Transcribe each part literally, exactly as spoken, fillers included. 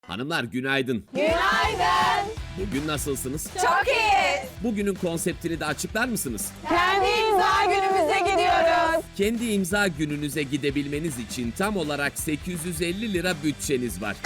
Hanımlar günaydın. Günaydın. Bugün nasılsınız? Çok iyi. Bugünün konseptini de açıklar mısınız? Kendi imza günümüze gidiyoruz. Kendi imza gününüze gidebilmeniz için tam olarak sekiz yüz elli lira bütçeniz var.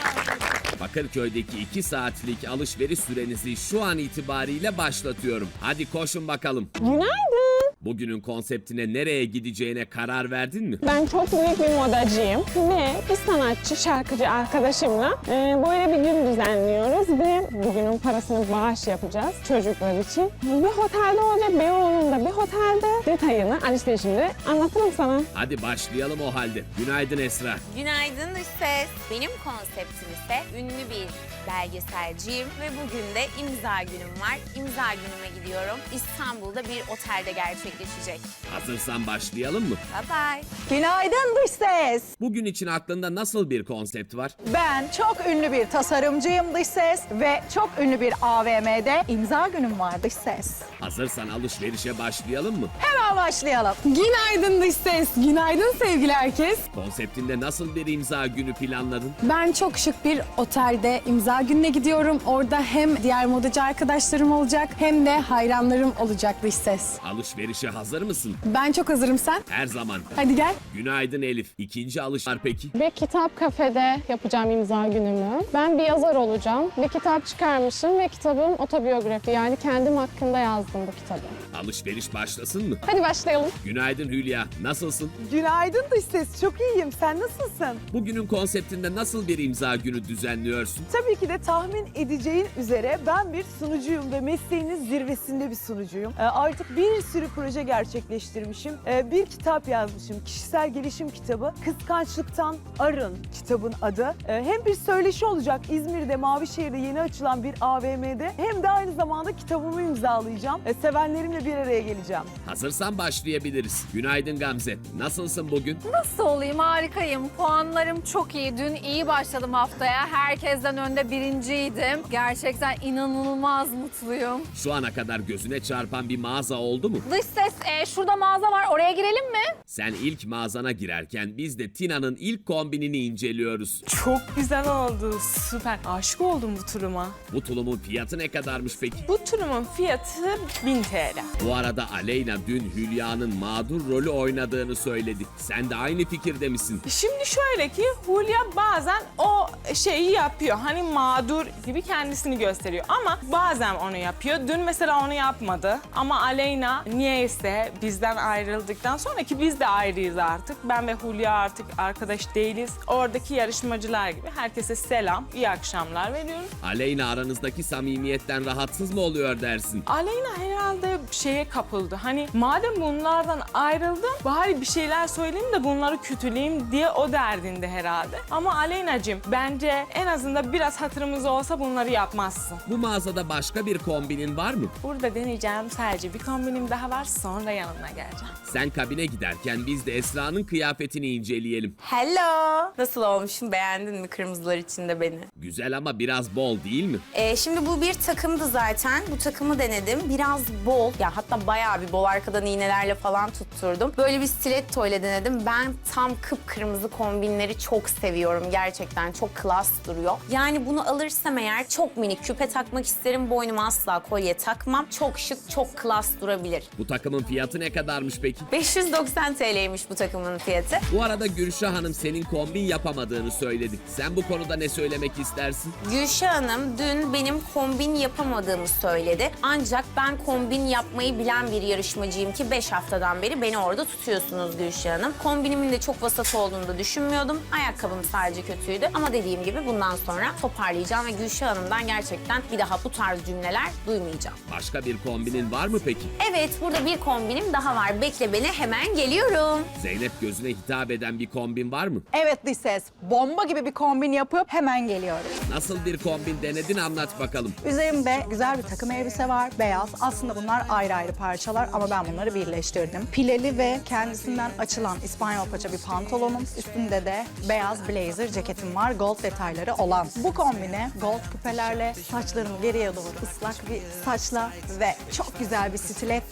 Bakırköy'deki iki saatlik alışveriş sürenizi şu an itibariyle başlatıyorum. Hadi koşun bakalım. Günaydın. Bugünün konseptine nereye gideceğine karar verdin mi? Ben çok büyük bir modacıyım ve bir sanatçı, şarkıcı arkadaşımla e, böyle bir gün düzenliyoruz ve bugünün parasını bağış yapacağız çocuklar için. Bir otelde olacak, Beyoğlu'nda bir otelde. Detayını alışverişimde anlatırım sana. Hadi başlayalım o halde. Günaydın Esra. Günaydın dış ses. Benim konseptim ise ünlü bir belgeselciyim ve bugün de imza günüm var. İmza günüme gidiyorum. İstanbul'da bir otelde gerçekleşecek. Hazırsan başlayalım mı? Bye bye. Günaydın dış ses. Bugün için aklında nasıl bir konsept var? Ben çok ünlü bir tasarımcıyım dış ses ve çok ünlü bir A V M'de imza günüm var dış ses. Hazırsan alışverişe başlayalım mı? Hemen başlayalım. Günaydın dış ses. Günaydın sevgili herkes. Konseptinde nasıl bir imza günü planladın? Ben çok şık bir otelde imza gününe gidiyorum. Orada hem diğer modacı arkadaşlarım olacak hem de hayranlarım olacak dış ses. Alışverişe hazır mısın? Ben çok hazırım, sen. Her zaman. Hadi gel. Günaydın Elif. İkinci alış var peki? Bir kitap kafede yapacağım imza günümü. Ben bir yazar olacağım. Bir kitap çıkarmışım ve kitabım otobiyografi. Yani kendim hakkında yazdım bu kitabı. Alışveriş başlasın mı? Hadi başlayalım. Günaydın Hülya. Nasılsın? Günaydın dış ses. Çok iyiyim. Sen nasılsın? Bugünün konseptinde nasıl bir imza günü düzenliyorsun? Tabii ki de tahmin edeceğin üzere ben bir sunucuyum ve mesleğinin zirvesinde bir sunucuyum. Ee, artık bir sürü proje gerçekleştirmişim. Ee, bir kitap yazmışım. Kişisel gelişim kitabı. Kıskançlıktan Arın kitabın adı. Ee, hem bir söyleşi olacak İzmir'de, Mavişehir'de yeni açılan bir A V M'de hem de aynı zamanda kitabımı imzalayacağım. Ee, sevenlerimle bir araya geleceğim. Hazırsan başlayabiliriz. Günaydın Gamze. Nasılsın bugün? Nasıl olayım? Harikayım. Puanlarım çok iyi. Dün iyi başladım haftaya. Herkesten önde birinciydim. Gerçekten inanılmaz mutluyum. Şu ana kadar gözüne çarpan bir mağaza oldu mu? Dış ses, e, şurada mağaza var. Oraya girelim mi? Sen ilk mağazana girerken biz de Tina'nın ilk kombinini inceliyoruz. Çok güzel oldu. Süper. Aşık oldum bu turuma. Bu tulumun fiyatı ne kadarmış peki? Bu turumun fiyatı bin T L. Bu arada Aleyna dün Hülya'nın mağdur rolü oynadığını söyledi. Sen de aynı fikirde misin? Şimdi şöyle ki Hulya bazen o şeyi yapıyor. Hani mağdur gibi kendisini gösteriyor. Ama bazen onu yapıyor. Dün mesela onu yapmadı. Ama Aleyna niyeyse bizden ayrıldıktan sonra ki biz de ayrıyız artık. Ben ve Hulya artık arkadaş değiliz. Oradaki yarışmacılar gibi herkese selam, iyi akşamlar veriyorum. Aleyna aranızdaki samimiyetten rahatsız mı oluyor dersin? Aleyna herhalde şeye kapıldı. Hani madem bunlardan ayrıldım bari bir şeyler söyleyeyim de bunları kötüleyeyim diye o derdinde herhalde. Ama Aleyna'cığım bence en azından biraz hatırımız olsa bunları yapmazsın. Bu mağazada başka bir kombinin var mı? Burada deneyeceğim sadece bir kombinim daha var, sonra yanına geleceğim. Sen kabine giderken biz de Esra'nın kıyafetini inceleyelim. Hello. Nasıl olmuşum? Beğendin mi kırmızılar içinde beni? Güzel ama biraz bol değil mi? Ee, şimdi bu bir takımdı zaten. Bu takımı denedim. Biraz bol. Ya hatta bayağı bir bol. Arkadan iğnelerle falan tutturdum. Böyle bir stiletto ile denedim. Ben tam kıpkırmızı kombinleri çok seviyorum. Gerçekten çok klas duruyor. Yani bunu alırsam eğer çok minik küpe takmak isterim. Boynuma asla kolye takmam. Çok şık, çok klas durabilir. Bu takımın fiyatı ne kadarmış peki? beş yüz doksan T L'ymiş bu takımın fiyatı. Bu arada Gülşah Hanım senin kombin yapamadığını söyledi. Sen bu konuda ne söylemek istersin? Gülşah Hanım dün benim kombin yapamadığımı söyledi. Ancak ben kombin yapmayı bilen bir yarışmacıyım ki beş haftadan beri beni orada tutuyorsunuz Gülşah Hanım. Kombinimin de çok vasat olduğunu da düşünmüyordum. Ayakkabım sadece kötüydü. Ama dediğim gibi bundan sonra toparlayacağım ve Gülşah Hanım'dan gerçekten bir daha bu tarz cümleler duymayacağım. Başka bir kombinin var mı peki? Evet, burada bir kombinim daha var. Bekle beni, hemen geliyorum. Zeynep gözüne hitap eden bir kombin var mı? Evet dış ses. Bomba gibi bir kombin yapıp hemen geliyorum. Nasıl bir kombin denedin anlat bakalım. Üzerimde güzel bir takım elbise var. Beyaz. Aslında bunlar ayrı ayrı parçalar ama ben bunları birleştirdim. Pileli ve kendisinden açılan İspanyol paça bir pantolonum. Üstünde de beyaz blazer ceketim var. Gold detayları olan. Bu kombine gold küpelerle saçlarımı geriye doğru ıslak bir saçla ve çok güzel bir stilettoyla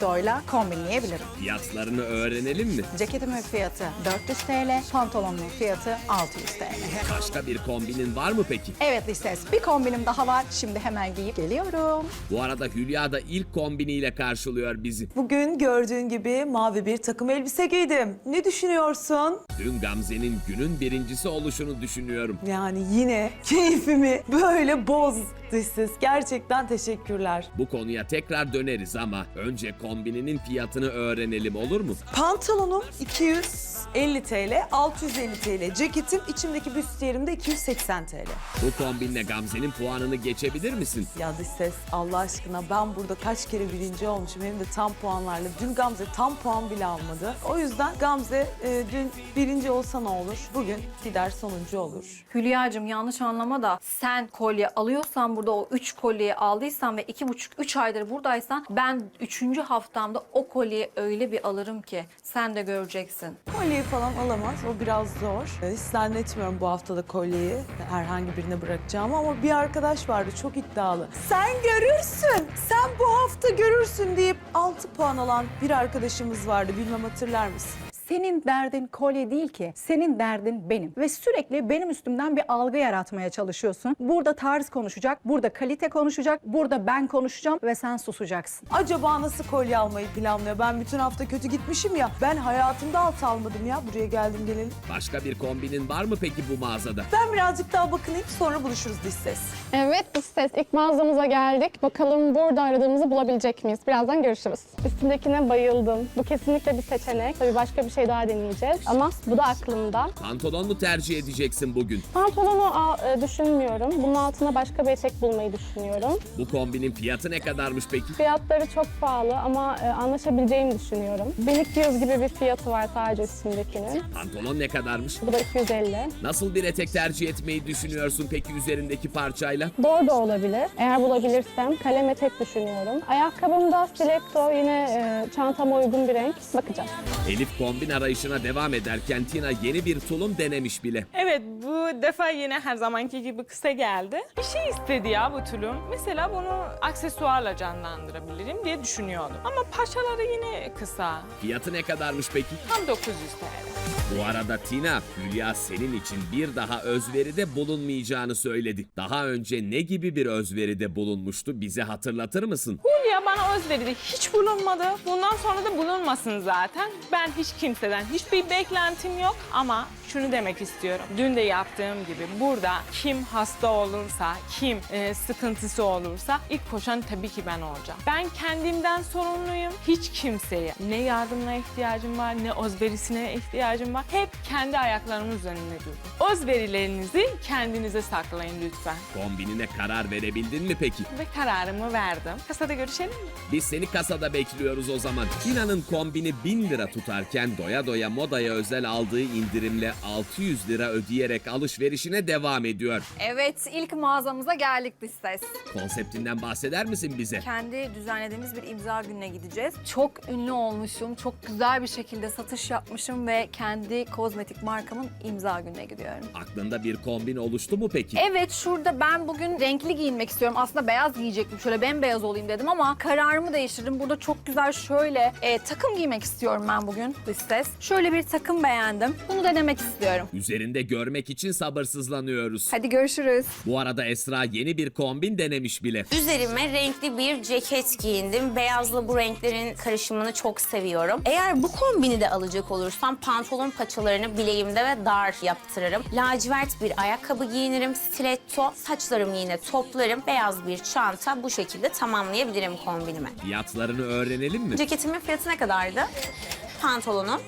kombinleyebilirim. Fiyatlarını öğrenelim mi? Ceketimin fiyatı dört yüz T L, pantolonumun fiyatı altı yüz T L. Başka bir kombinin var mı peki? Evet Listes, bir kombinim daha var. Şimdi hemen giyip geliyorum. Bu arada Hülya da ilk kombiniyle karşılıyor bizi. Bugün gördüğün gibi mavi bir takım elbise giydim. Ne düşünüyorsun? Dün Gamze'nin günün birincisi oluşunu düşünüyorum. Yani yine keyfimi böyle bozdu siz. Gerçekten teşekkürler. Bu konuya tekrar döneriz ama önce kombininin fiyatını öğrenelim, olur mu? Pantolonum iki yüz elli T L, altı yüz elli T L. Ceketim, içimdeki büstiyerim de iki yüz seksen T L. Bu kombinle Gamze'nin puanını geçebilir misin? Ya dış ses, Allah aşkına ben burada kaç kere birinci olmuşum hem de tam puanlarla. Dün Gamze tam puan bile almadı. O yüzden Gamze e, dün birinci olsa ne olur? Bugün gider sonuncu olur. Hülya'cığım yanlış anlama da sen kolye alıyorsan burada o üç kolyeyi aldıysan ve iki buçuk üç aydır buradaysan ben üçüncü haftamda o kolyeyi öyle bir alırım ki sen de göreceksin. Kolyeyi falan alamaz. O biraz zor. E, Hiç zannetmiyorum bu haftada kolyeyi herhangi birine bırakacağımı ama bir arkadaş vardı çok iddialı. Sen görürsün, sen bu hafta görürsün deyip altı puan alan bir arkadaşımız vardı. Bilmem hatırlar mısın? Senin derdin kolye değil ki. Senin derdin benim. Ve sürekli benim üstümden bir algı yaratmaya çalışıyorsun. Burada tarz konuşacak, burada kalite konuşacak, burada ben konuşacağım ve sen susacaksın. Acaba nasıl kolye almayı planlıyor? Ben bütün hafta kötü gitmişim ya. Ben hayatımda alt almadım ya. Buraya geldim gelelim. Başka bir kombinin var mı peki bu mağazada? Ben birazcık daha bakınayım sonra buluşuruz dış ses. Evet, dış ses. İlk mağazamıza geldik. Bakalım burada aradığımızı bulabilecek miyiz? Birazdan görüşürüz. Üstündekine bayıldım. Bu kesinlikle bir seçenek. Tabii başka bir şey daha deneyeceğiz. Ama bu da aklımda. Pantolon mu tercih edeceksin bugün? Pantolonu a, e, düşünmüyorum. Bunun altına başka bir etek bulmayı düşünüyorum. Bu kombinin fiyatı ne kadarmış peki? Fiyatları çok pahalı ama e, anlaşabileceğimi düşünüyorum. bin iki yüz gibi bir fiyatı var sadece üstündekinin. Pantolon ne kadarmış? Bu da iki yüz elli. Nasıl bir etek tercih etmeyi düşünüyorsun peki üzerindeki parçayla? Bordo olabilir. Eğer bulabilirsem kalem etek düşünüyorum. Ayakkabımda stiletto, yine e, çantama uygun bir renk. Bakacağız. Elif kombin arayışına devam ederken Tina yeni bir tulum denemiş bile. Evet, bu defa yine her zamanki gibi kısa geldi. Bir şey istedi ya bu tulum. Mesela bunu aksesuarla canlandırabilirim diye düşünüyordum. Ama paçaları yine kısa. Fiyatı ne kadarmış peki? Tam dokuz yüz T L. Bu arada Tina, Hülya senin için bir daha özveride bulunmayacağını söyledi. Daha önce ne gibi bir özveride bulunmuştu, bize hatırlatır mısın? Hülya bana özveride hiç bulunmadı. Bundan sonra da bulunmasın zaten. Ben hiç kimseden hiçbir beklentim yok ama şunu demek istiyorum. Dün de yaptığım gibi burada kim hasta olursa, kim e, sıkıntısı olursa ilk koşan tabii ki ben olacağım. Ben kendimden sorumluyum. Hiç kimseye ne yardımına ihtiyacım var, ne özverisine ihtiyacım var. Hep kendi ayaklarımın üzerinde durdum. Özverilerinizi kendinize saklayın lütfen. Kombinine karar verebildin mi peki? Ve kararımı verdim. Kasada görüşelim mi? Biz seni kasada bekliyoruz o zaman. Tina'nın kombini bin lira tutarken doya doya modaya özel aldığı indirimle altı yüz lira ödeyerek alışverişine devam ediyor. Evet, ilk mağazamıza geldik dış ses. Konseptinden bahseder misin bize? Kendi düzenlediğimiz bir imza gününe gideceğiz. Çok ünlü olmuşum, çok güzel bir şekilde satış yapmışım ve kendi kozmetik markamın imza gününe gidiyorum. Aklında bir kombin oluştu mu peki? Evet, şurada ben bugün renkli giyinmek istiyorum. Aslında beyaz giyecektim, şöyle bembeyaz olayım dedim ama kararımı değiştirdim. Burada çok güzel şöyle e, takım giymek istiyorum ben bugün dış ses. Şöyle bir takım beğendim. Bunu denemek istiyorum. Üzerinde görmek için sabırsızlanıyoruz. Hadi görüşürüz. Bu arada Esra yeni bir kombin denemiş bile. Üzerime renkli bir ceket giyindim. Beyazla bu renklerin karışımını çok seviyorum. Eğer bu kombini de alacak olursam pantolon paçalarını bileğimde ve dar yaptırırım. Lacivert bir ayakkabı giyinirim, stiletto, saçlarımı yine toplarım. Beyaz bir çanta, bu şekilde tamamlayabilirim kombinimi. Fiyatlarını öğrenelim mi? Ceketimin fiyatı ne kadardı? Pantolonum.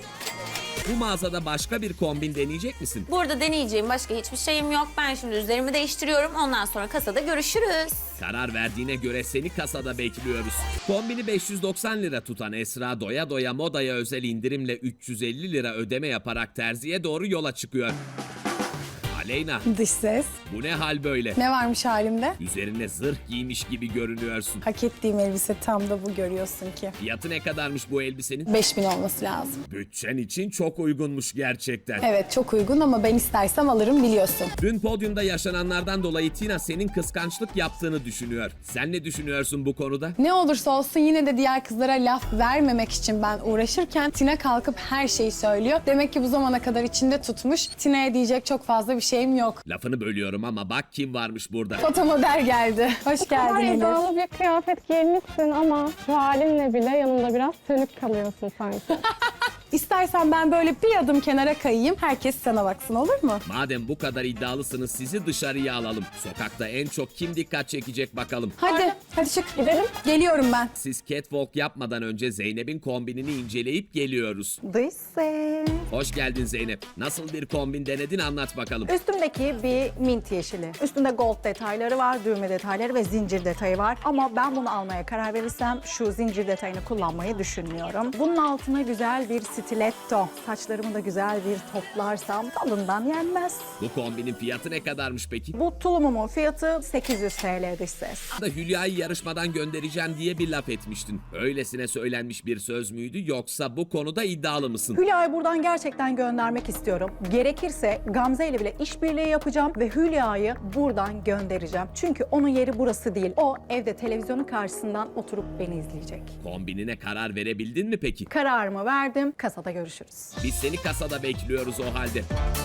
Bu mağazada başka bir kombin deneyecek misin? Burada deneyeceğim başka hiçbir şeyim yok. Ben şimdi üzerimi değiştiriyorum. Ondan sonra kasada görüşürüz. Karar verdiğine göre seni kasada bekliyoruz. Kombini beş yüz doksan lira tutan Esra doya doya modaya özel indirimle üç yüz elli lira ödeme yaparak terziye doğru yola çıkıyor. Aleyna, Dış ses. bu ne hal böyle? Ne varmış halimde? Üzerine zırh giymiş gibi görünüyorsun. Hak ettiğim elbise tam da bu, görüyorsun ki. Fiyatı ne kadarmış bu elbisenin? beş bin olması lazım. Bütçen için çok uygunmuş gerçekten. Evet, çok uygun ama ben istersem alırım, biliyorsun. Dün podyumda yaşananlardan dolayı Tina senin kıskançlık yaptığını düşünüyor. Sen ne düşünüyorsun bu konuda? Ne olursa olsun yine de diğer kızlara laf vermemek için ben uğraşırken Tina kalkıp her şeyi söylüyor. Demek ki bu zamana kadar içinde tutmuş. Tina'ya diyecek çok fazla bir şeyim yok. Lafını bölüyorum ama bak kim varmış burada. Fotomodel geldi. Hoş geldin Ay, Elif. iddialı bir kıyafet giymişsin ama şu halinle bile yanında biraz sönük kalıyorsun sanki. İstersen ben böyle bir adım kenara kayayım. Herkes sana baksın, olur mu? Madem bu kadar iddialısınız sizi dışarıya alalım. Sokakta en çok kim dikkat çekecek bakalım. Hadi, hadi çık. Gidelim. Geliyorum ben. Siz catwalk yapmadan önce Zeynep'in kombinini inceleyip geliyoruz. Dış ses. Hoş geldin Zeynep. Nasıl bir kombin denedin anlat bakalım. Üstümdeki bir mint yeşili. Üstünde gold detayları var, düğme detayları ve zincir detayı var. Ama ben bunu almaya karar verirsem şu zincir detayını kullanmayı düşünmüyorum. Bunun altına güzel bir stiletto. Saçlarımı da güzel bir toplarsam tadından yenmez. Bu kombinin fiyatı ne kadarmış peki? Bu tulumumun fiyatı sekiz yüz T L dış ses. Da Hülya'yı yarışmadan göndereceğim diye bir laf etmiştin. Öylesine söylenmiş bir söz müydü yoksa bu konuda iddialı mısın? Hülya'yı buradan gerçekten göndermek istiyorum. Gerekirse Gamze ile bile işbirliği yapacağım ve Hülya'yı buradan göndereceğim. Çünkü onun yeri burası değil. O evde televizyonun karşısından oturup beni izleyecek. Kombinine karar verebildin mi peki? Kararımı verdim. Kasada görüşürüz. Biz seni kasada bekliyoruz o halde.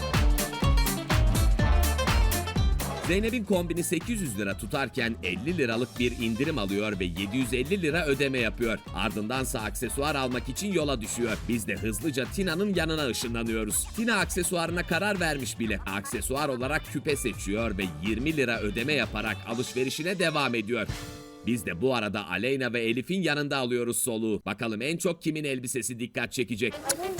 Zeynep'in kombini sekiz yüz lira tutarken elli liralık bir indirim alıyor ve yedi yüz elli lira ödeme yapıyor. Ardındansa aksesuar almak için yola düşüyor. Biz de hızlıca Tina'nın yanına ışınlanıyoruz. Tina aksesuarına karar vermiş bile. Aksesuar olarak küpe seçiyor ve yirmi lira ödeme yaparak alışverişine devam ediyor. Biz de bu arada Aleyna ve Elif'in yanında alıyoruz soluğu. Bakalım en çok kimin elbisesi dikkat çekecek?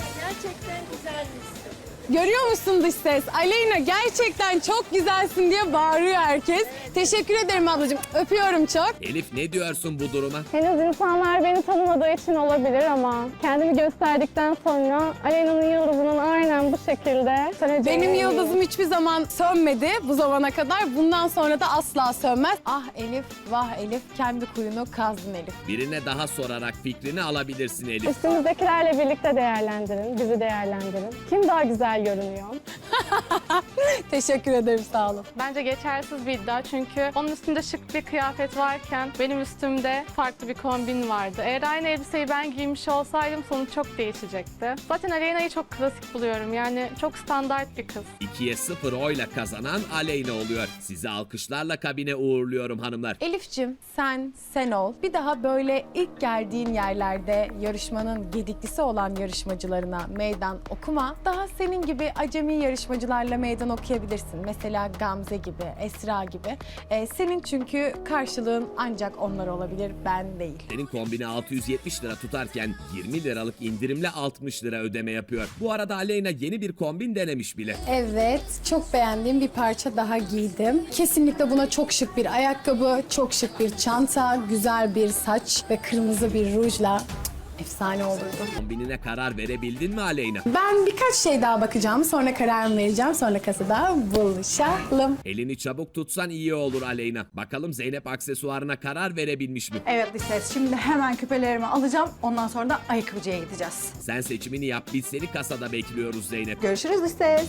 Görüyor musun dış ses? Aleyna gerçekten çok güzelsin diye bağırıyor herkes. Teşekkür ederim ablacığım. Öpüyorum çok. Elif ne diyorsun bu duruma? Henüz insanlar beni tanımadığı için olabilir ama kendimi gösterdikten sonra Aleyna'nın yıldızının aynen bu şekilde söneceğine Benim eminim. yıldızım hiçbir zaman sönmedi bu zamana kadar. Bundan sonra da asla sönmez. Ah Elif, vah Elif. Kendi kuyunu kazdın Elif. Birine daha sorarak fikrini alabilirsin Elif. Üstümüzdekilerle birlikte değerlendirin, bizi değerlendirin. Kim daha güzel görünüyor? Teşekkür ederim, sağ olun. Bence geçersiz bir iddia çünkü onun üstünde şık bir kıyafet varken benim üstümde farklı bir kombin vardı. Eğer aynı elbiseyi ben giymiş olsaydım sonuç çok değişecekti. Zaten Aleyna'yı çok klasik buluyorum, yani çok standart bir kız. ikiye sıfır oyla kazanan Aleyna oluyor. Sizi alkışlarla kabine uğurluyorum hanımlar. Elif'cim sen sen ol. Bir daha böyle ilk geldiğin yerlerde yarışmanın gediklisi olan yarışmacılarına meydan okuma. Daha senin gibi acemi yarışmacılarla meydan okuyabilirsin. Mesela Gamze gibi, Esra gibi. Ee, senin çünkü karşılığın ancak onlar olabilir, ben değil. Senin kombini altı yüz yetmiş lira tutarken yirmi liralık indirimle altmış lira ödeme yapıyor. Bu arada Aleyna yeni bir kombin denemiş bile. Evet, çok beğendiğim bir parça daha giydim. Kesinlikle buna çok şık bir ayakkabı, çok şık bir çanta, güzel bir saç ve kırmızı bir rujla efsane olurdu. Kombinine karar verebildin mi Aleyna? Ben birkaç şey daha bakacağım, sonra kararımı vereceğim, sonra kasada buluşalım. Elini çabuk tutsan iyi olur Aleyna. Bakalım Zeynep aksesuarına karar verebilmiş mi? Evet dış ses. Şimdi hemen küpelerimi alacağım. Ondan sonra da ayakkabıcıya gideceğiz. Sen seçimini yap, biz seni kasada bekliyoruz Zeynep. Görüşürüz dış ses.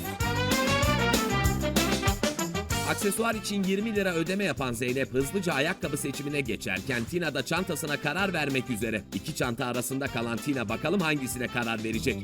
Aksesuar için yirmi lira ödeme yapan Zeynep hızlıca ayakkabı seçimine geçerken Tina da çantasına karar vermek üzere. İki çanta arasında kalan Tina bakalım hangisine karar verecek?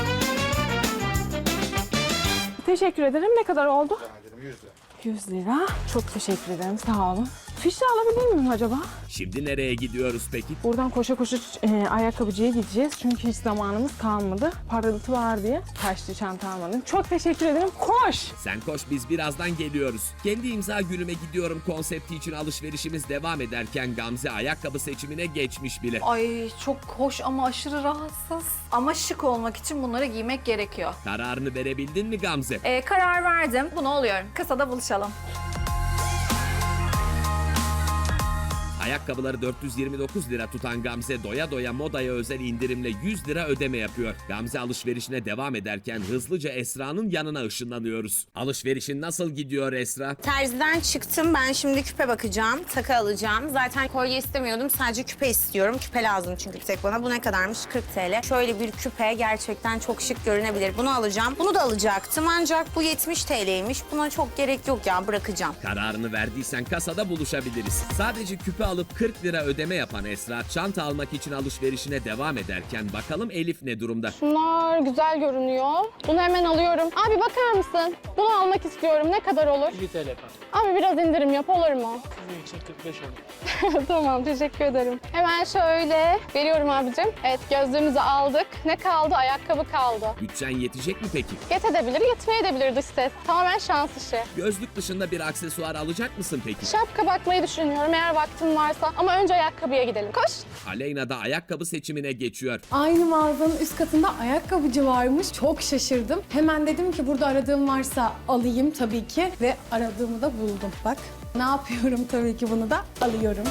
Teşekkür ederim. Ne kadar oldu? yüz lira. Çok teşekkür ederim. Sağ olun. Fişi alabilir miyim acaba? Şimdi nereye gidiyoruz peki? Buradan koşa koşa e, ayakkabıcıya gideceğiz. Çünkü hiç zamanımız kalmadı. Parıltı var diye taşlı çanta almadım. Çok teşekkür ederim. Koş! Sen koş, biz birazdan geliyoruz. Kendi imza günüme gidiyorum konsepti için alışverişimiz devam ederken Gamze ayakkabı seçimine geçmiş bile. Ay çok hoş ama aşırı rahatsız. Ama şık olmak için bunları giymek gerekiyor. Kararını verebildin mi Gamze? Ee, karar verdim. Bunu oluyorum. Kasada buluşalım. Ayakkabıları dört yüz yirmi dokuz lira tutan Gamze doya doya modaya özel indirimle yüz lira ödeme yapıyor. Gamze alışverişine devam ederken hızlıca Esra'nın yanına ışınlanıyoruz. Alışverişin nasıl gidiyor Esra? Terziden çıktım. Ben şimdi küpe bakacağım. Takı alacağım. Zaten kolye istemiyordum. Sadece küpe istiyorum. Küpe lazım çünkü bir tek bana. Bu ne kadarmış? kırk TL. Şöyle bir küpe gerçekten çok şık görünebilir. Bunu alacağım. Bunu da alacaktım ancak bu yetmiş TL'ymiş. Buna çok gerek yok ya. Bırakacağım. Kararını verdiysen kasada buluşabiliriz. Sadece küpe alıp kırk lira ödeme yapan Esra, çanta almak için alışverişine devam ederken bakalım Elif ne durumda? Bunlar güzel görünüyor. Bunu hemen alıyorum. Abi bakar mısın? Bunu almak istiyorum. Ne kadar olur? elli TL efendim. Abi biraz indirim yap, olur mu? Sizin için kırk beş olur. Tamam, teşekkür ederim. Hemen şöyle veriyorum abicim. Evet, gözlüğümüzü aldık. Ne kaldı? Ayakkabı kaldı. Bütçen yetecek mi peki? Yetebilir, yetmeyebilir dış ses. Tamamen şans işi. Gözlük dışında bir aksesuar alacak mısın peki? Şapka bakmayı düşünüyorum eğer vaktim varsa. Ama önce ayakkabıya gidelim. Koş. Aleyna da ayakkabı seçimine geçiyor. Aynı mağazanın üst katında ayakkabıcı varmış. Çok şaşırdım. Hemen dedim ki burada aradığım varsa alayım tabii ki. Ve aradığımı da buldum. Bak ne yapıyorum tabii ki bunu da alıyorum.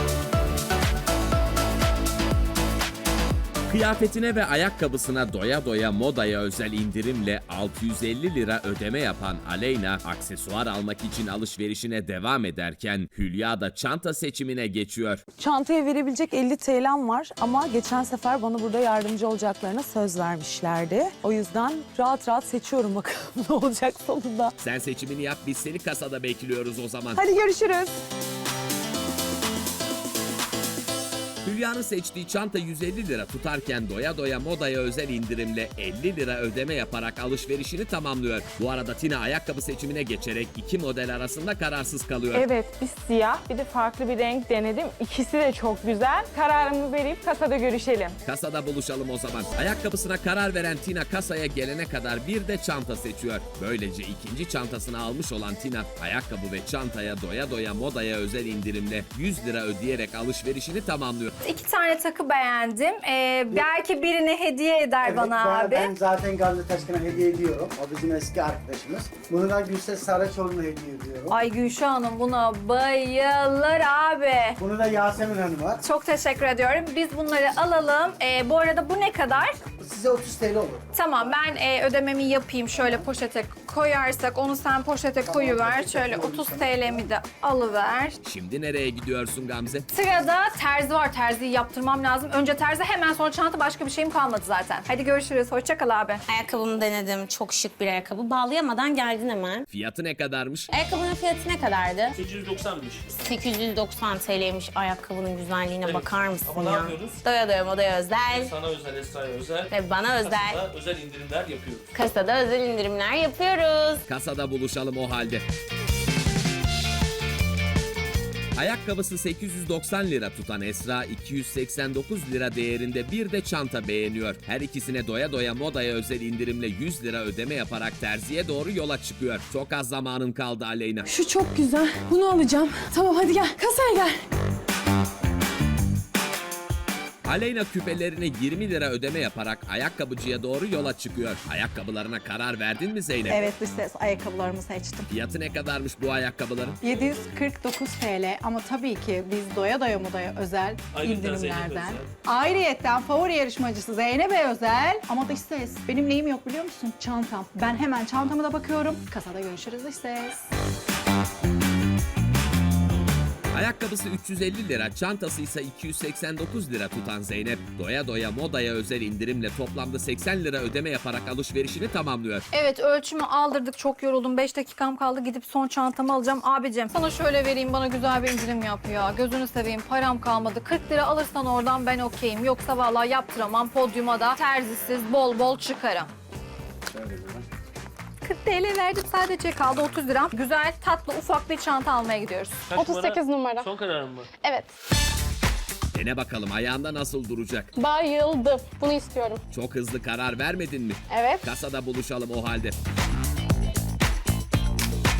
Kıyafetine ve ayakkabısına doya doya modaya özel indirimle altı yüz elli lira ödeme yapan Aleyna, aksesuar almak için alışverişine devam ederken Hülya da çanta seçimine geçiyor. Çantaya verebilecek elli T L'm var ama geçen sefer bana burada yardımcı olacaklarına söz vermişlerdi. O yüzden rahat rahat seçiyorum bakalım ne olacak sonunda. Sen seçimini yap, biz seni kasada bekliyoruz o zaman. Hadi görüşürüz. Hülya'nın seçtiği çanta yüz elli lira tutarken doya doya modaya özel indirimle elli lira ödeme yaparak alışverişini tamamlıyor. Bu arada Tina ayakkabı seçimine geçerek iki model arasında kararsız kalıyor. Evet, bir siyah, bir de farklı bir renk denedim. İkisi de çok güzel. Kararımı verip kasada görüşelim. Kasada buluşalım o zaman. Ayakkabısına karar veren Tina kasaya gelene kadar bir de çanta seçiyor. Böylece ikinci çantasını almış olan Tina, ayakkabı ve çantaya doya doya modaya özel indirimle yüz lira ödeyerek alışverişini tamamlıyor. İki tane takı beğendim. Ee, belki birini hediye eder Evet, bana ben- abi. Ben zaten Gamze Taşkın'a hediye ediyorum. O bizim eski arkadaşımız. Bunu da Gülses Saraçoğlu'na hediye ediyorum. Ay Gülşah Hanım buna bayılır abi. Bunu da Yasemin Hanım'a. Çok teşekkür ediyorum. Biz bunları alalım. Ee, bu arada bu ne kadar? Size otuz TL olur. Tamam ben e, ödememi yapayım. Şöyle poşete koyarsak onu sen poşete koyuver. Şöyle otuz T L'mi de alıver. Şimdi nereye gidiyorsun Gamze? Sırada terzi var. Terziyi yaptırmam lazım. Önce terzi hemen sonra çanta, başka bir şeyim kalmadı zaten. Hadi görüşürüz. Hoşça kal abi. Ayakkabımı denedim. Çok şık bir ayakkabı. Bağlayamadan geldin hemen. Fiyatı ne kadarmış? Ayakkabının fiyatı ne kadardı? sekiz yüz doksanmış. sekiz yüz doksan T L'ymiş. Ayakkabının güzelliğine Evet. bakar mısın Ama ne ya? yapıyoruz? Doya doya modaya özel Sana özel, Esra'ya özel. ve bana özel Kasada özel indirimler yapıyoruz. kasada özel indirimler yapıyoruz. Kasada buluşalım o halde. Ayakkabısı sekiz yüz doksan lira tutan Esra iki yüz seksen dokuz lira değerinde bir de çanta beğeniyor. Her ikisine doya doya modaya özel indirimle yüz lira ödeme yaparak terziye doğru yola çıkıyor. Çok az zamanın kaldı Aleyna. Şu çok güzel. Bunu alacağım. Tamam hadi gel. Kasaya gel. Aleyna küpelerini yirmi lira ödeme yaparak ayakkabıcıya doğru yola çıkıyor. Ayakkabılarına karar verdin mi Zeynep? Evet dış ses ayakkabılarımı seçtim. Fiyatı ne kadarmış bu ayakkabıların? yedi yüz kırk dokuz T L ama tabii ki biz doya doya modaya özel Ayrıca indirimlerden. Zeynep'e Ayrıyetten favori yarışmacısı Zeynep'e özel. Ama dış ses benim neyim yok biliyor musun? Çantam. Ben hemen çantama da bakıyorum. Kasada görüşürüz dış ses. Ayakkabısı üç yüz elli lira, çantası ise iki yüz seksen dokuz lira tutan Zeynep, doya doya modaya özel indirimle toplamda seksen lira ödeme yaparak alışverişini tamamlıyor. Evet ölçümü aldırdık. Çok yoruldum. beş dakikam kaldı. Gidip son çantamı alacağım. Abicim sana şöyle vereyim. Bana güzel bir indirim yap ya. Gözünü seveyim. Param kalmadı. kırk lira alırsan oradan ben okeyim. Yoksa vallahi yaptıramam. Podyuma da terzisiz bol bol çıkarım. kırk T L verdim sadece. Kaldı otuz lira. Güzel, tatlı, ufak bir çanta almaya gidiyoruz. Kaç otuz sekiz numara. Son kararın mı? Evet. Dene bakalım ayağında nasıl duracak? Bayıldım. Bunu istiyorum. Çok hızlı karar vermedin mi? Evet. Kasada buluşalım o halde.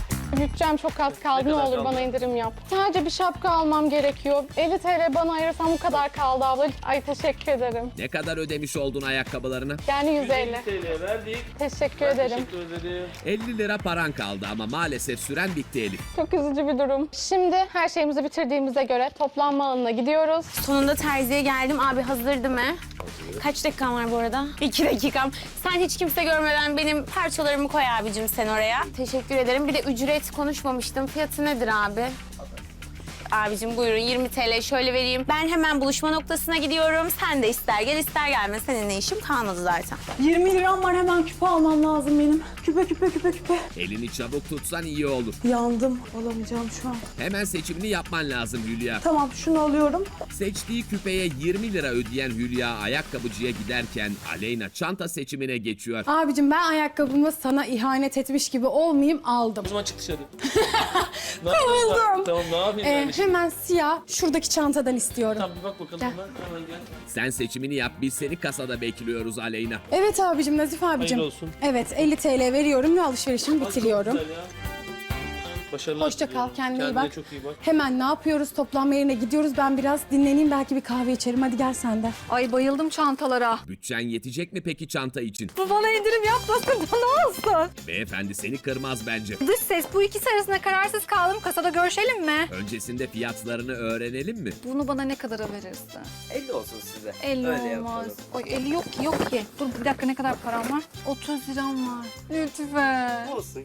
Bütçem çok az kaldı. Ne Ne, kadar olur kaldı? bana indirim yap. Sadece bir şapka almam gerekiyor. elli TL bana ayırsam bu kadar kaldı abla. Ay teşekkür ederim. Ne kadar ödemiş oldun ayakkabılarına? Yani yüz yüz elli. elli TL verdik. Teşekkür Ben ederim. Teşekkür ederim. elli lira paran kaldı ama maalesef süren bitti Elif. Çok üzücü bir durum. Şimdi her şeyimizi bitirdiğimize göre toplanma alanına gidiyoruz. Sonunda terziye geldim. Abi hazırdı mı? Kaç dakikam var bu arada? İki dakikam. Sen hiç kimse görmeden benim parçalarımı koy abicim sen oraya. Teşekkür ederim. Bir de ücret konuşmamıştım. Fiyatı nedir abi? Abicim buyurun yirmi TL şöyle vereyim. Ben hemen buluşma noktasına gidiyorum. Sen de ister gel ister gelme. Seninle işim kalmadı zaten. yirmi liram var, hemen küpe almam lazım benim. Küpe küpe küpe küpe. Elini çabuk tutsan iyi olur. Yandım, alamayacağım şu an. Hemen seçimini yapman lazım Hülya. Tamam, şunu alıyorum. Seçtiği küpeye yirmi lira ödeyen Hülya ayakkabıcıya giderken Aleyna çanta seçimine geçiyor. Abicim ben ayakkabımı sana ihanet etmiş gibi olmayayım aldım. O zaman çık dışarı. Ne yapayım? Tamam ne yapayım Ee, yani şimdi? hemen siyah şuradaki çantadan istiyorum. Tamam bir bak bakalım Gel. hemen. Hemen gel. Sen seçimini yap, biz seni kasada bekliyoruz Aleyna. Evet abicim, Nazif abicim. Hayırlı olsun. Evet, elli TL veriyorum ve alışverişimi Bak, çok bitiriyorum. güzel ya. Başarılar Hoşça kal, diliyorum. kendine iyi bak. çok iyi bak. Hemen ne yapıyoruz? Toplanma yerine gidiyoruz. Ben biraz dinleneyim, belki bir kahve içerim. Hadi gel sen de. Ay bayıldım çantalara. Bütçen yetecek mi peki çanta için? Bu bana indirim yapmasın da ne olsun? Beyefendi seni kırmaz bence. Dış ses bu ikisi arasında kararsız kaldım. Kasada görüşelim mi? Öncesinde fiyatlarını öğrenelim mi? Bunu bana ne kadara verirsin? elli olsun size. elli Öyle olmaz. yapalım. Ay elli yok ki yok ki. Dur bir dakika ne kadar param var? otuz liram var. Lütfen. Olsun.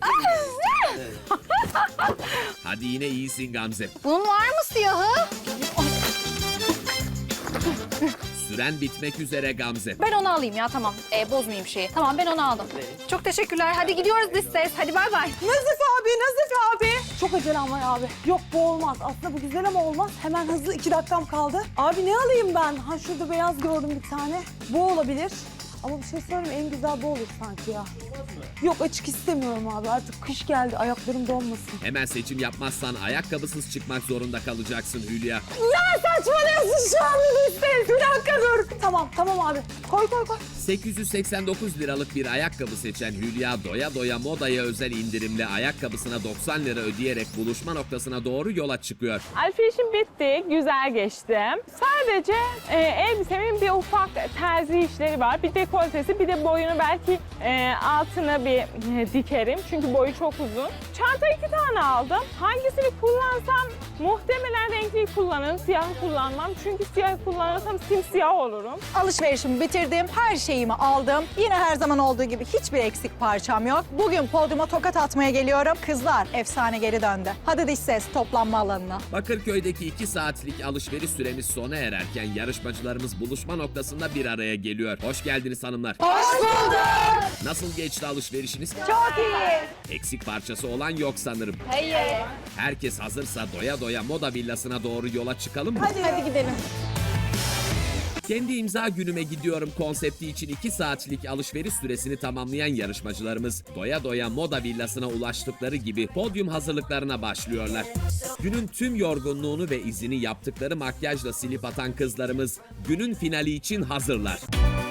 Hadi yine iyisin Gamze. Bunun var mı siyahı? Süren bitmek üzere Gamze. Ben onu alayım ya tamam. Ee, bozmayayım şeyi. Tamam ben onu aldım. Çok teşekkürler. Hadi gidiyoruz dış ses. Hadi bay bay. Nazif abi, Nazif abi. Çok acelem var abi. Yok bu olmaz. Aslında bu güzel ama olmaz. Hemen hızlı iki dakikam kaldı. Abi ne alayım ben? Ha şurada beyaz gördüm bir tane. Bu olabilir. Ama bir şey söyleyeyim, en güzel bu olur sanki ya. Yok açık istemiyorum abi. Artık kış geldi. Ayaklarım donmasın. Hemen seçim yapmazsan ayakkabısız çıkmak zorunda kalacaksın Hülya. Ya saçmalıyorsun şu anda Listeyiz. Bir dakika dur. Tamam tamam abi. Koy koy koy. sekiz yüz seksen dokuz liralık bir ayakkabı seçen Hülya doya doya modaya özel indirimle ayakkabısına doksan lira ödeyerek buluşma noktasına doğru yola çıkıyor. Alışverişim bitti, güzel geçtim. Sadece e, elbisemin bir ufak terzi işleri var. Bir dekoltesi, bir de boyunu belki e, altına bir e, dikerim. Çünkü boyu çok uzun. Çanta iki tane aldım. Hangisini kullansam muhtemelen renkliyi kullanırım, siyahı kullanmam. Çünkü siyahı kullanırsam simsiyah olurum. Alışverişimi bitirdim, her şeyimi aldım. Yine her zaman olduğu gibi hiçbir eksik parçam yok. Bugün podyuma tokat atmaya geliyorum. Kızlar, efsane geri döndü. Hadi dış ses, toplanma alanına. Bakırköy'deki iki saatlik alışveriş süremiz sona ererken yarışmacılarımız buluşma noktasında bir araya geliyor. Hoş geldiniz hanımlar. Hoş bulduk. Nasıl geçti alışverişiniz? Çok iyi. Eksik parçası olan yok sanırım. Hayır. Herkes hazırsa doya doya moda villasına doğru yola çıkalım mı? Hadi, hadi gidelim. Kendi imza günüme gidiyorum konsepti için iki saatlik alışveriş süresini tamamlayan yarışmacılarımız doya doya moda villasına ulaştıkları gibi podyum hazırlıklarına başlıyorlar. Günün tüm yorgunluğunu ve izini yaptıkları makyajla silip atan kızlarımız günün finali için hazırlar.